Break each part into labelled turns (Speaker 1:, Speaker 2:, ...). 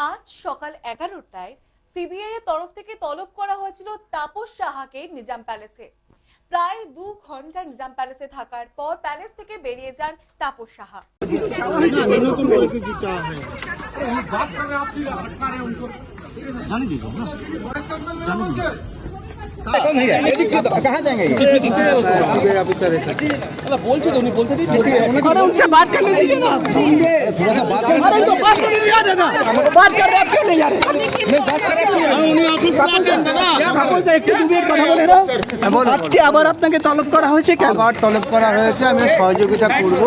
Speaker 1: আজ সকাল 11টায় সিবিআই এর তরফ থেকে তলব করা হয়েছিল তাপস সাহাকে নিজাম প্যালেসে। প্রায় 2 ঘন্টা নিজাম প্যালেসে থাকার পর প্যালেস থেকে বেরিয়ে যান তাপস সাহা।
Speaker 2: कहाँ जाएंगे सीबीआई ऑफिसर
Speaker 3: बोलते तो नहीं बोलते अरे उनसे बात करने दीजिए ना,
Speaker 2: थोड़ा सा बात
Speaker 3: अरे तो बात करने दिया दादा, बात कर रहे हैं, आप क्यों नहीं जा रहे? উনি অফিস আছেন দাদা, বলতে একটু দূরে কথা বলে না। আজকে আবার আপনাকে তলব করা হয়েছে কেন?
Speaker 2: আবার তলব করা হয়েছে, আমি সহযোগিতা করব।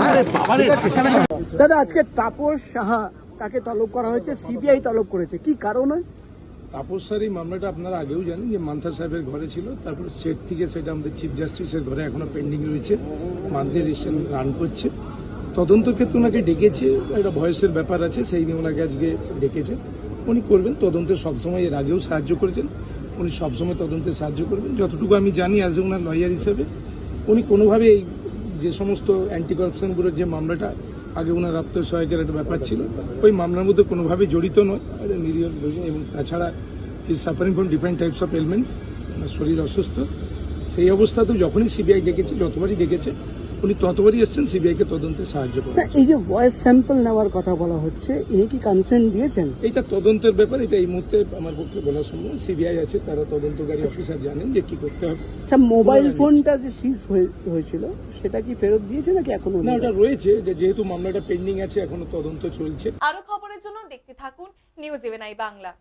Speaker 3: দাদা আজকে তাপস সাহা তাকে তলব করা হয়েছে, সিবিআই তলব করেছে, কি কারণে?
Speaker 4: তাপস স্যার এই মামলাটা আপনারা আগেও জানেন যে মান্থা সাহেবের ঘরে ছিল, তারপরে স্টেট থেকে সেটা আমাদের চিফ জাস্টিসের ঘরে এখনো পেন্ডিং রয়েছে, মান্থলি রেজিস্ট্রেশন রান করছে। তদন্ত ক্ষেত্রে ওনাকে ডেকেছে, একটা ভয়েসের ব্যাপার আছে, সেই নিয়ে ওনাকে আজকে ডেকেছে। উনি করবেন তদন্তে, সবসময় এর আগেও সাহায্য করেছেন, উনি সবসময় তদন্তে সাহায্য করবেন। যতটুকু আমি জানি অ্যাজ এ ওনার লয়ার হিসেবে উনি কোনোভাবে এই যে সমস্ত অ্যান্টি করাপশন ব্যুরোর যে মামলাটা আগে ওনার আত্মসহায়কের একটা ব্যাপার ছিল, ওই মামলার মধ্যে কোনোভাবে জড়িত নয়, নিরীহ। এবং তাছাড়া is suffering from different types of elements, ওনার শরীর অসুস্থ। সেই অবস্থাতেও যখনই সিবিআই ডেকেছে, যতবারই ডেকেছে, উনি ততবারই এসছেন সিবিআইকে তদন্তে সাহায্য করেন।
Speaker 3: এই যে ভয়েস স্যাম্পল নেওয়ার কথা বলা হচ্ছে, ইনি কি কনসেন্ট দিয়েছেন?
Speaker 4: এইটা তদন্তের ব্যাপার, এটা এই মুহূর্তে আমার পক্ষে বলা সম্ভব। সিবিআই আছে, তারা তদন্তকারী অফিসার জানেন যে কি করতে হবে।
Speaker 3: আচ্ছা, মোবাইল ফোনটা যে সিজ হয়েছিল সেটা কি ফেরত দিয়েছে নাকি এখনো?
Speaker 4: না, ওটা রয়েছে, যেহেতু মামলাটা পেন্ডিং আছে, এখনো তদন্ত চলছে।
Speaker 1: আরো খবরের জন্য দেখতে থাকুন নিউজ 11 বাংলা।